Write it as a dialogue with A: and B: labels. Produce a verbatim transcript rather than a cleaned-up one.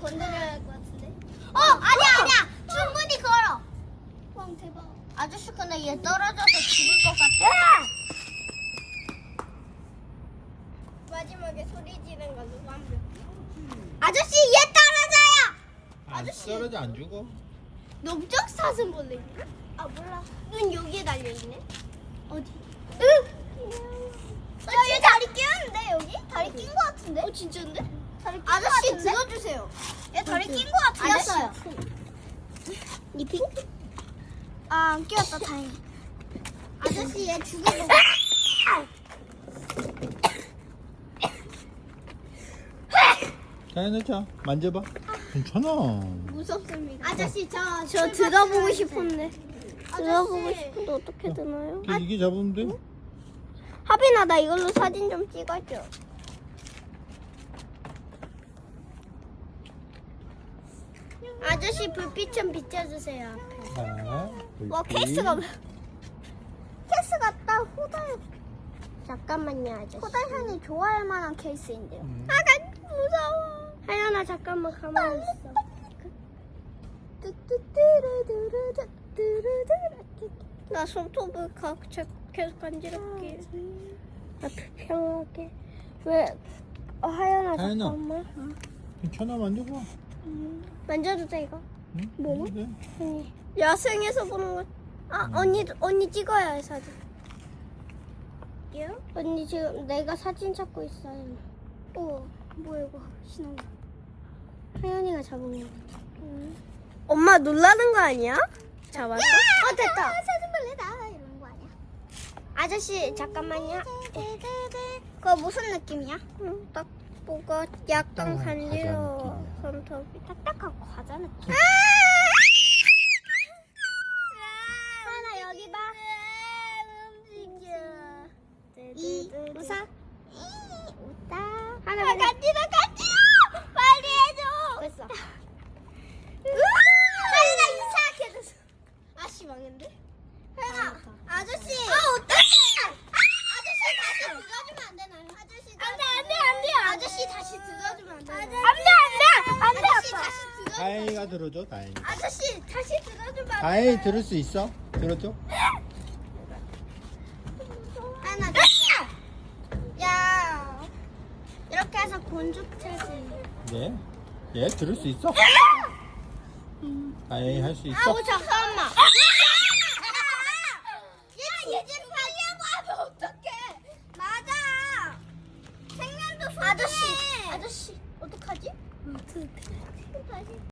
A: 건드려야 할 것 같은데.
B: 어 아니야 아니야 충분히 걸어.
A: 와 대박.
B: 아저씨 근데 얘 떨어져서 죽을 것 같아.
A: 마지막에 소리 지른 거 누가 한 명?
B: 아저씨 얘 떨어져요.
C: 안 떨어져 안 죽어?
A: 넓적 사슴벌레 있나? 아 몰라. 눈 여기에 달려 있네. 어디?
B: 응.
A: 야얘 다리 끼었는데 여기? 다리 낀 거 같은데? 어 진짜인데? 다리 낀거
B: 아저씨
A: 같은데?
B: 들어주세요.
A: 얘 다리 낀 거 같은데?
B: 아저씨.
A: 이 핑크? 아안 끼웠다 다행히. 아저씨 얘 죽이고.
C: 자연아 자 만져봐. 괜찮아.
A: 무섭습니다.
B: 아저씨 저
A: 저
B: 출발
A: 들어보고
B: 시간이
A: 싶었네. 들어보고 싶은데 어떻게 되나요?
C: 그 이게 잡으면 돼?
A: 하빈아 나 이걸로 사진 좀 찍어줘. 아저씨 불빛 좀 비춰주세요 앞에.
C: 자,
A: 와
C: 불빛.
A: 케이스가 케이스 같다. 호달. 잠깐만요 아저씨. 호달 향이 좋아할 만한 케이스인데요.
C: 음.
A: 아가 무서워. 하연아 잠깐만 가만히 있어. 나 손톱을 가, 제- 계속 간지럽게. 아, 불평하게. 왜? 어, 하연아,
C: 하연아.
A: 잠깐만.
C: 괜찮아 만져봐.
A: 만져도 돼, 이거?
C: 응?
A: 뭐?
C: 만져도 돼.
A: 언니. 야생에서 보는 거. 아, 언니, 언니 찍어야 해, 사진. 요? 언니 지금 내가 사진 찾고 있어요. 어, 뭐야, 이거. 신호. 하연이가 잡은 거. 응. 엄마 놀라는 거 아니야? 잡았어? 어, 됐다. 사슴벌레다. 이런 거 아니야? 아저씨, 잠깐만요. 그거 무슨 느낌이야? 응, 딱 뭐가 약간
C: 딱딱한 과자
A: 간지러워.
C: 느낌이야.
A: 손톱이 딱딱한 과자 느낌. 하나 여기 봐. 움직여. 이 웃어. 웃다. 하나 간지러 간지러. 빨리 해줘. 됐어. 하나 이상하게 됐어. 아씨 망했는데? 하나 아저씨. 아 어떡해. 아저씨 다시 들어주면 안 되나요? 아저씨 안돼 안돼 안돼 아저씨 다시 들어주면 안 되나요? 안돼 안돼 안돼 아저씨 다시 들어.
C: 다행이가 들어줘 다행이.
A: 아저씨 다시 들어주면 안
C: 다행히
A: 되나요?
C: 들을 수 있어? 들어줘?
A: 하나 됐어. 야 이렇게 해서 곤죽체지.
C: 네. 얘 들을 수 있어? 다행히 할 수 있어?
A: 아우 잠깐만. 얘얘 지금 살려고 하면 어떡해? 맞아. 생명도 소중해. 아저씨 아저씨 어떡하지? 어떡해? 다시.